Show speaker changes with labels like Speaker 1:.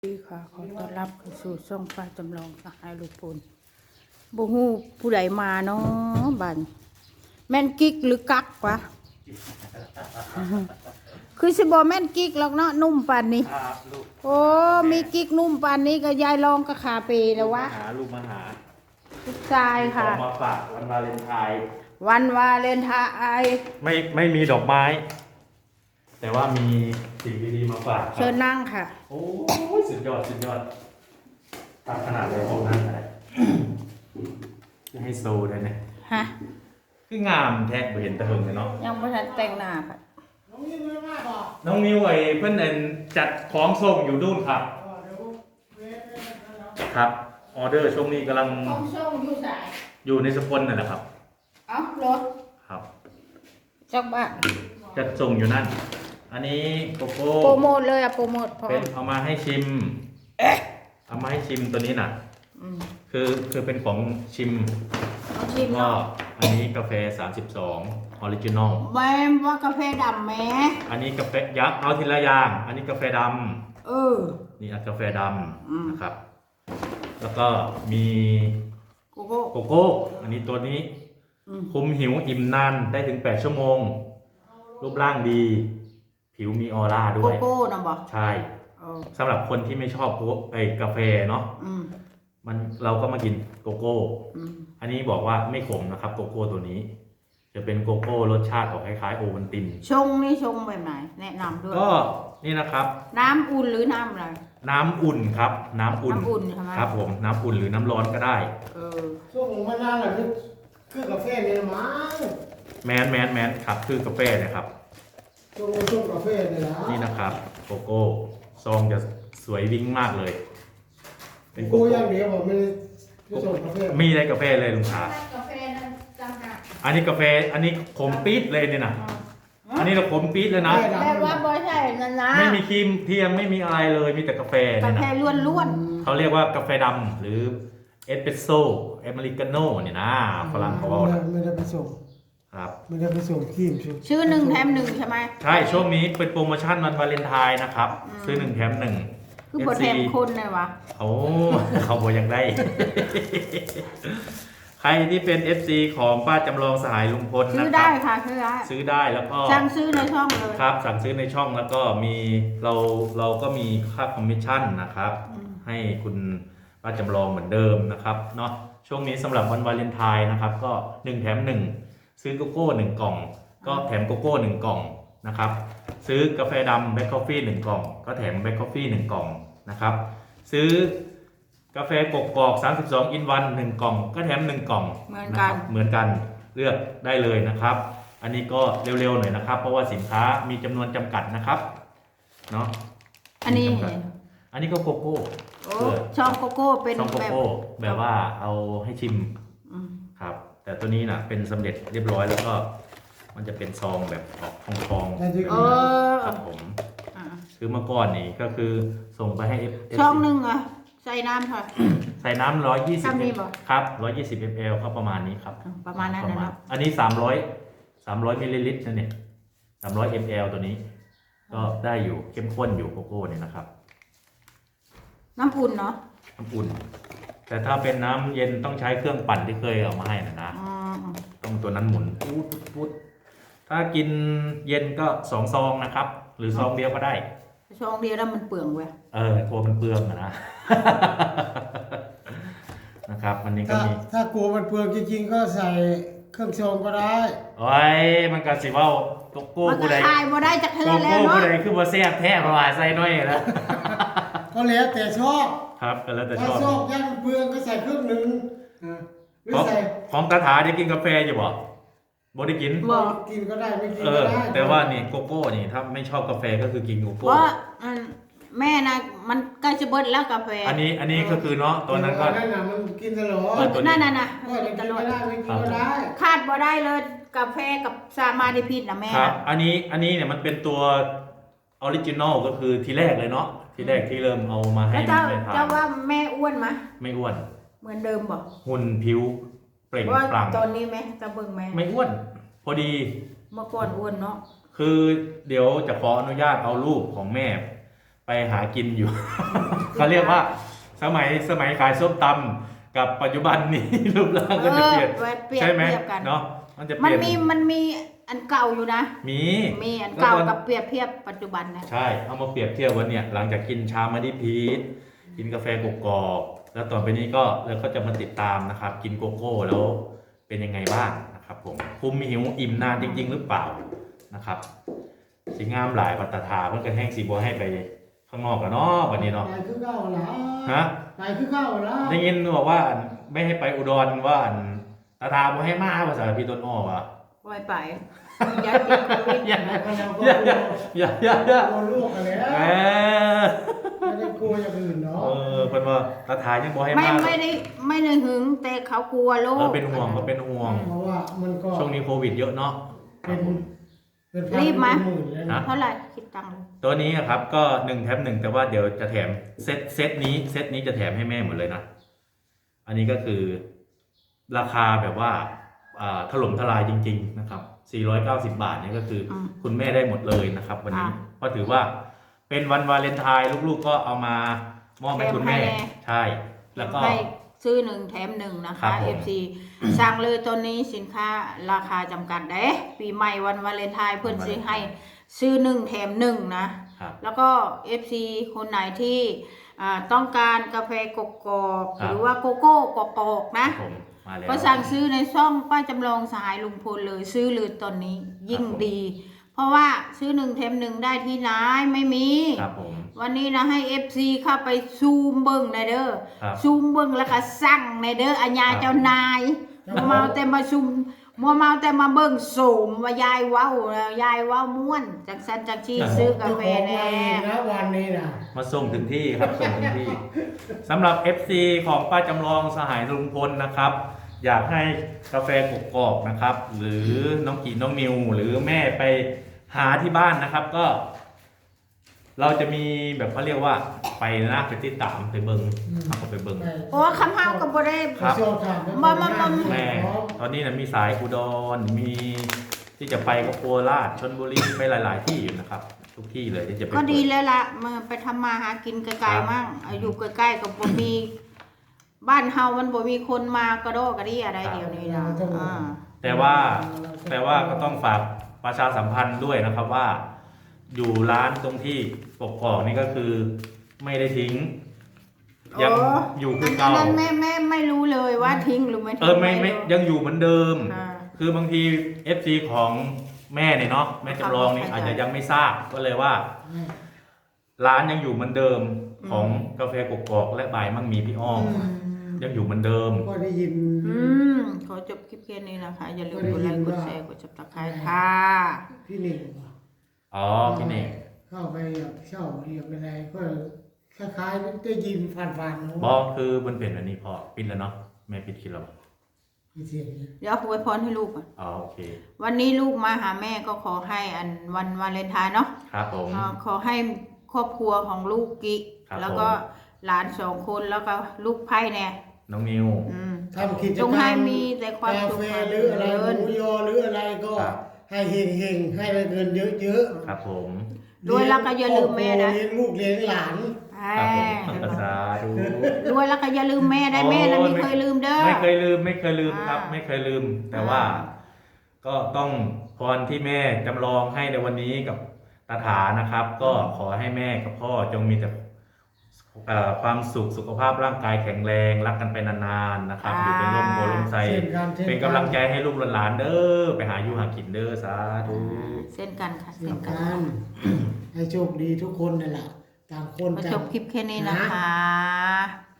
Speaker 1: ดีค่ะขอต้อนรับเข้าสู่ช่องป้าจำลองสหายลูกพลบ่ฮู้ผู้ใดมาเนาะบัดแม่นกิ๊กหรือกักวะ คือสิบ่แม่นกิ๊กหรอกเนาะนุ่มปานนี้โอ้มีกิ๊กนุ่มปานนี้ก็ยายรองก็ขาเปแล้ววะ
Speaker 2: ลูกมาหา
Speaker 1: ลูกชายค่ะ
Speaker 2: มาฝากวันวาเลนไทน์
Speaker 1: วันวาเลนไทน์
Speaker 2: ไม่มีดอกไม้ แต่ว่ามีสิ่งดีๆมาฝาก
Speaker 1: เชิญนั่งค่ะ
Speaker 2: โอ้ยสุดยอดตัดขนาดเลยของนั่งอะไรจะให้โซได้เนี่ย
Speaker 1: ฮะ
Speaker 2: คืองามแท้ไปเห็นตะเหิงเลยเนาะ
Speaker 1: ยังไม่ทันแต่งหน้าค่ะ
Speaker 2: น้องนิวไอ้เพื่อนจัดของส่งอยู่นู่นครับครับออเดอร์ช่วงนี้กำลัง
Speaker 1: ของส่งอยู่ไหน
Speaker 2: อยู่ในสกลนั่นแหละครับ
Speaker 1: เอ้ารถ
Speaker 2: ครับ
Speaker 1: จักบ้าน
Speaker 2: จัดส่งอยู่นั่นอันนี้โกโก้
Speaker 1: โปรโมทเลยอะโปรโมทพอ
Speaker 2: เป็นเอามาให้ชิมเอามาให้ชิมตัวนี้น่ะคือเป็นของชิมก็อันนี้กาแฟ32ออริจินอล
Speaker 1: แม่ว่ากาแฟดำแม่
Speaker 2: อันนี้กาแฟยักษ์เอาทีละอย่างอันนี้กาแฟดำนี่กาแฟดำนะครับแล้วก็มี
Speaker 1: โก
Speaker 2: โก้อันนี้ตัวนี้คุมหิวอิ่มนานได้ถึง8 ชั่วโมงรูปร่างดีผิวมีออร่าด้วย
Speaker 1: โกโก้นะบอก
Speaker 2: ใช่สำหรับคนที่ไม่ชอบกาแฟเนาะเราก็มากินโกโก้อันนี้บอกว่าไม่ขมนะครับโกโก้ตัวนี้จะเป็นโกโก้รสชาติออกคล้ายๆโอวัลติน
Speaker 1: ชงนี่ชงแบบไหนแนะนำด้วย
Speaker 2: ก็นี่นะครับ
Speaker 1: น้ำอุ่นหรือน้ำอะไร
Speaker 2: น้ำอุ่นครับน้ำอุ่น
Speaker 1: ใช่ไหม
Speaker 2: ครับผมน้ำอุ่นหรือน้ำร้อนก็ได้
Speaker 3: ช่วงมะนาวน่ะคือกาแฟเนี่ยมั้ง
Speaker 2: แมนครับคือกาแฟนะครับ
Speaker 3: ช่วงกาแฟเนี่ยนะ
Speaker 2: นี่นะครับโกโก้ซองจะสวยวิ่งมากเลย
Speaker 3: เป็นโกโก้อย่างเดียวผมไม่ได้ส่งกาแฟ
Speaker 2: มีอะไรกาแฟเลยลุงชาก
Speaker 1: าแฟนั่นจังหะ
Speaker 2: อันนี้กาแฟอันนี้ขมปี๊ดเลยเนี่ยนะอันนี้เราขมปี๊ดเลยนะ
Speaker 1: แปลว่าบอยใช่นั่นนะ
Speaker 2: ไม่มีครีมเทียมไม่มีอะไรเลยมีแต่กาแฟ
Speaker 1: เนี่ยนะกาแฟล้วน
Speaker 2: เขาเรียกว่ากาแฟดำหรือเอสเปรสโซ่อเมริกาโน่เนี่ยนะฝรั่งเขาบอก
Speaker 3: ไม่ได้ไปส่ง
Speaker 2: ครับ
Speaker 3: ไม่ได้ไปส่งครีม
Speaker 1: ชื่อ1 แถม 1ใช่ไหม
Speaker 2: ใช่ช่วงนี้เป็นโปรโมชั่นวันวาเลนไทน์นะครับซื้อ1 แถม 1
Speaker 1: คือบทแถมคนเลยวะ
Speaker 2: โอ้เขาบอกอยากได้ ใครที่เป็น FC ของป้าจำลองสหายลุงพล
Speaker 1: ซื้อได้ค่ะ
Speaker 2: ซื้อได้แล้วก็
Speaker 1: สั่งซื้อในช่องเลย
Speaker 2: ครับสั่งซื้อในช่องแล้วก็มีเราก็มีค่าคอมมิชชั่นนะครับให้คุณป้าจำลองเหมือนเดิมนะครับเนาะช่วงนี้สำหรับวันวาเลนไทน์นะครับก็1 แถม 1ซื้อโกโก้1 กล่องก็แถมโกโก้1 กล่องนะครับซื้อกาแฟดำแบล็คคอฟฟี่1 กล่องก็แถมแบล็คคอฟฟี่1 กล่องนะครับซื้อกาแฟกกอก32 in 1 1 กล่องก็แถม1 กล่อง
Speaker 1: เหมือน
Speaker 2: กันเลือกได้เลยนะครับอันนี้ก็เร็วๆหน่อยนะครับเพราะว่าสินค้ามีจำนวนจำกัดนะครับเนาะอันนี้ก็โกโก้
Speaker 1: ช่องโกโก้เป็น
Speaker 2: ช่องโกโก้แบบว่าเอาให้ชิมครับแต่ตัวนี้นะเป็นสำเร็จเรียบร้อยแล้วก็มันจะเป็นซองแบบออกทองครับผมคือเมื่อก่อนนี่ก็คือส่งไปให้
Speaker 1: ช่อง1อ่ะใส่น้ำค่ะ
Speaker 2: ใส่น้ำ120ครับ120 ml ก็ประมาณนี้ครับ
Speaker 1: ประมาณนั้นนะ
Speaker 2: อันนี้300มิลลิลิตรนั่นเอง300 ml ตัวนี้ก็ได้อยู่เข้มข้นอยู่โกโก้เนี่ยนะครับ
Speaker 1: น้ำอุ่นเนาะ
Speaker 2: น้ำอุ่นแต่ถ้าเป็นน้ำเย็นต้องใช้เครื่องปั่นที่เคยเอามาให้นะต้องตัวนั้นหมุนปุ๊ดถ้ากินเย็นก็2 ซองนะครับหรือซองเดียวก็ได้
Speaker 1: ซองเดียวแล้วมันเปลืองเว้ย
Speaker 2: กลัวมันเปลืองนะนะครับวันนี้ก็มี
Speaker 3: ถ้ากลัวมันเปลืองจริงๆก็ใส่เครื่องชงก็ได้
Speaker 2: โอ้ยมันก็สิว่าโกโก้
Speaker 1: ผู้ใดขายบ่ได้จากเธอแล้วเนาะ
Speaker 2: โกโก้ผู้ใดคือบ่แซ่บแท้เพราะว่าใส่น้อยแล้ว
Speaker 3: ก็แล้วแต่ชอบ
Speaker 2: ครับก็แล้วแต่ชอบ
Speaker 3: ชอบย่างเปลืองก็ใส่เครื่องนึง
Speaker 2: ของคาถาได้กินกาแฟอยู่บ่บ่ได้กิน
Speaker 3: กินก็ได้ไม่กินก็ได้
Speaker 2: แต่ว่านี่โกโก้นี่ถ้าไม่ชอบกาแฟก็คือกินโกโก้
Speaker 1: เพราะแม่นะมันใกล้จะเบิดแล้วกาแฟ
Speaker 2: อันนี้ก็คือเนาะตัวนั้นก็
Speaker 3: นั่นน่ะมันกินตลอด
Speaker 1: นั่น
Speaker 3: กินตลอดไม่กินก็ได้
Speaker 1: คาดบ่ได้เลยกาแฟกับสามาดิพิษนะแม่
Speaker 2: ครับอันนี้เนี่ยมันเป็นตัวออริจินอลก็คือทีแรกเลยเนาะทีแรกที่เริ่มเอามาให้
Speaker 1: แม่ทานเจ้าว่าแม่อ้วนไหม
Speaker 2: ไม่อ้วน
Speaker 1: เหมือนเดิมบ่
Speaker 2: หุ่นผิวเปล่งปลั่ง
Speaker 1: ตอนนี้ไหมจะเบิ่งแม่
Speaker 2: ไม่อ้วนพอดี
Speaker 1: เมื่อก่อนอ้วนเนาะ
Speaker 2: คือเดี๋ยวจะขออนุญาตเอารูปของแม่ไปหากินอยู่ เขาเรียกว่าสมัยขายส้มตำกับปัจจุบันนี้ รูปร่างก็จะเปลี่ยน
Speaker 1: เปรียบ
Speaker 2: ใช่ไหม
Speaker 1: เทียบกัน
Speaker 2: เนาะมันจะเป
Speaker 1: มัน
Speaker 2: ลี่ยน
Speaker 1: มีอันเก่าอยู่นะ
Speaker 2: มี
Speaker 1: มีอันเก่ากับเปรียบเทียบปัจจุบันนะ
Speaker 2: ใช่เอามาเปรียบเทียบวันเนี่ยหลังจากกินชามาดิพีชกินกาแฟกกอกแล้วต่อไปนี้ก็เราก็จะมาติดตามนะครับ กินโกโก้แล้วเป็นยังไงบ้างนะครับผมคุมหิวอิ่มนานจริง ๆ หรือเปล่านะครับสีงามหลายปัตตาถาเพื่อนกันแห้งสีบัวให้ไปข้างนอกกันเนาะวันนี้เนาะ
Speaker 3: ไปคือเก้าละ
Speaker 2: ฮะ
Speaker 3: ไปคือเก้าละ
Speaker 2: ได้ยินบอกว่าไม่ให้ไปอุดรว่าตาถาบัวให้มาภาษาพี่ต้นอ้อวะ
Speaker 1: ไว้ไปยาติดโควิด
Speaker 2: อย่า
Speaker 3: แล้วก็เราก็
Speaker 2: อย่าก
Speaker 3: ลัวลูกกันแล้ว
Speaker 2: แหม
Speaker 3: ไม่ได้กลัวอย่างอื่นเนาะ
Speaker 2: เพิ่นว่าตาถายังบัวให้
Speaker 1: ไม่
Speaker 2: มา
Speaker 1: ไม่ได้หึงแต่เขากลัวโรค
Speaker 2: เป็นห่วงก็เป็นห่วง
Speaker 3: เพราะว่ามันก็
Speaker 2: ช่วงนี้โควิดเยอะเนาะ
Speaker 3: เป็นพันเป็นหมื่นแล้วนะ
Speaker 1: เท่าไหร่คิดตังค์เลย
Speaker 2: ตัวนี้ครับก็1 แถม 1แต่ว่าเดี๋ยวจะแถมเซตนี้จะแถมให้แม่หมดเลยนะอันนี้ก็คือราคาแบบว่าถล่มทลายจริงๆนะครับ490 บาทเนี่ยก็คืออคุณแม่ได้หมดเลยนะครับ วันนี้เพราะถือว่าเป็นวันวาเลนไทน์ลูกๆก็เอามามอบให้คุณแม่ใช่แล้วก็
Speaker 1: ให้ซื้อ1แถม1นะ
Speaker 2: ครั
Speaker 1: คะ
Speaker 2: บผม
Speaker 1: FC สั่งเลยตัวนี้สินค้าราคาจำกัดเด้ปีใหม่วันวาเลนไทน์เพื่อนซื้อให้ซื้อ1แถม1นะครับ แล้วก็ FC คนไหนที่ต้องการกาแฟกกอก
Speaker 2: ครับ
Speaker 1: หรือว่าโกโก้กกอกนะ
Speaker 2: ผมมาแล้ว
Speaker 1: ก็สั่งซื้อในช่องป้าจำลองสหายลุงพลเลยซื้อเลยตอนนี้ยิ่ง
Speaker 2: ครับผม
Speaker 1: ดี เพราะว่าซื้อ1แถม1ได้ที่ไหนไม่มี
Speaker 2: ครับผม
Speaker 1: วันนี้นะให้ FC เข้าไปซูมเบิ้งในเด้อ
Speaker 2: ครับ
Speaker 1: ซูมเบิ้งแล้วก็สั่งในเด้ออัญญา
Speaker 2: ครับ
Speaker 1: เจ้านายมัวเมาแต่มาซูมมัวเมาแต่มาเบิ้งโสมว่ายายเว้ายายเว้าม่วนจากสันจากชีซื้อกาแฟแน่
Speaker 3: นะวันนี้นะ
Speaker 2: มาส่งถึงที่ครับส่งถึงที่สำหรับ FC ของป้าจำลองสหายลุงพลนะครับ อยากให้กาแฟกกอกนะครับ หรือน้องกีน้องนิว หรือแม่ไปหาที่บ้านนะครับ ก็ เราจะมีแบบเขาเรียกว่าไปนะไปติดตามไปเบิงเขาก็ไปเบิง
Speaker 1: โอ้คำเฮาก็บ่ได้
Speaker 2: ครับ
Speaker 1: แม่
Speaker 2: ตอนนี้นะมีสายอุดรมีที่จะไปก็โคราชชลบุรีไปหลาย ๆ ที่อยู่นะครับ ทุกที่เลยที่จะไป
Speaker 1: ก็ดีแล้วล่ะมาไปทำมาหากินไกลๆมั่งอยู่ใกล้ๆกับบ่มีบ้านเฮามันบ่มีคนมากระโดดกระดี่อะไรเดี๋ยวนี้นะอ่า
Speaker 2: แต่ว่าก็ต้องฝากประชาสัมพันธ์ด้วยนะครับว่า อยู่ร้านตรงที่ปกครองนี่ก็คือไม่ได้ทิ้ง ยังอยู่คือ
Speaker 1: อั
Speaker 2: เก่าน
Speaker 1: นั้นแม่ไม่รู้เลยว่าทิ้งหรือไม่ทิ้ง
Speaker 2: ไม่ยังอยู่เหมือนเดิม
Speaker 1: อ่า
Speaker 2: คือบางที FC ของแม่เนี่ยเนาะแม่จำลองนี่
Speaker 1: เข้าใจ
Speaker 2: อาจจะยังไม่ทราบก็เลยว่า ร้านยังอยู่เหมือนเดิมของกาแฟกกอกและบ่ายมั่งมีพี่อ้อมยังอยู่เหมือนเดิม
Speaker 3: ก็ได้ยิน
Speaker 1: ขอจบคลิปแค่นี้นะคะ อย่าลืมกดไลค์กดแชร์กดจับตะไคร้ค่ะ
Speaker 3: พี่หนึ่ง
Speaker 2: อ๋อพี่เน่ง
Speaker 3: เข้าไปเช่าเรียกอะไรก็คล้ายๆได้ยินฟันๆ
Speaker 2: บอกคือมันเป็นอันนี้พอปิดแล้วเนาะแม่ปิดคลิปแล้ว
Speaker 3: เสียงนี้
Speaker 1: เดี๋ยวอวยพรให้ลูกก่อน
Speaker 2: อ๋อโอเค
Speaker 1: วันนี้ลูกมาหาแม่ก็ขอให้อันวันวาเลนไทน์เนาะ
Speaker 2: ครับผม
Speaker 1: ขอให้ครอบครัวของลูกกิ
Speaker 2: ครับ
Speaker 1: แล้วก็หลาน2 คนแล้วก็ลูกไพ่แน่
Speaker 2: น้องนิว
Speaker 3: ทำกิจ
Speaker 1: จ
Speaker 3: ก
Speaker 1: ง
Speaker 3: รร
Speaker 1: ให้
Speaker 3: ม
Speaker 1: มีแต่ความ
Speaker 3: กา
Speaker 1: สุข
Speaker 3: แฟ
Speaker 1: ความ
Speaker 3: หรืออะไร
Speaker 1: เจ
Speaker 3: ห
Speaker 1: ริญ
Speaker 3: มูยอหรืออะไรก็
Speaker 2: ครับ
Speaker 3: ให้เฮงๆให้ได้เงินเยอะ
Speaker 2: ครับผม
Speaker 3: ๆ
Speaker 1: รวยแล้วก็อย่าลืมแม่นะ
Speaker 3: เลี้ยงลูกเลี้ยงหลาน
Speaker 2: ครับผมสาธุ
Speaker 1: รวยแล้วก็อย่าลืมแม่ได้แม่นะไม่เคยลืมเด้อ
Speaker 2: ไม่เคยลืมครับ
Speaker 1: อ่า
Speaker 2: ไม่เคยลืม แต่ว่า ก็ต้องพรที่แม่จำลองให้ในวันนี้กับตาถานะครับ ก็ขอให้แม่กับพ่อจงมีแต่ความสุขสุขภาพร่างกายแข็งแรงรักกันไปนานๆนะครับอยู่เป็นร่มโพลมไทร
Speaker 3: เช่นกัน
Speaker 2: เป็นกำลังใจให้ลูกหลานๆเด้อไปหาอยู่หากินเด้อสาธุ
Speaker 1: เส้นกันค่ะ
Speaker 3: เช่
Speaker 1: เส้
Speaker 3: น
Speaker 1: นกั
Speaker 3: กัน นให้โชคดีทุกคนนั่นแหละต่างคน
Speaker 1: มา
Speaker 3: ต่าง
Speaker 1: จบคลิปแค่นี้นะคะ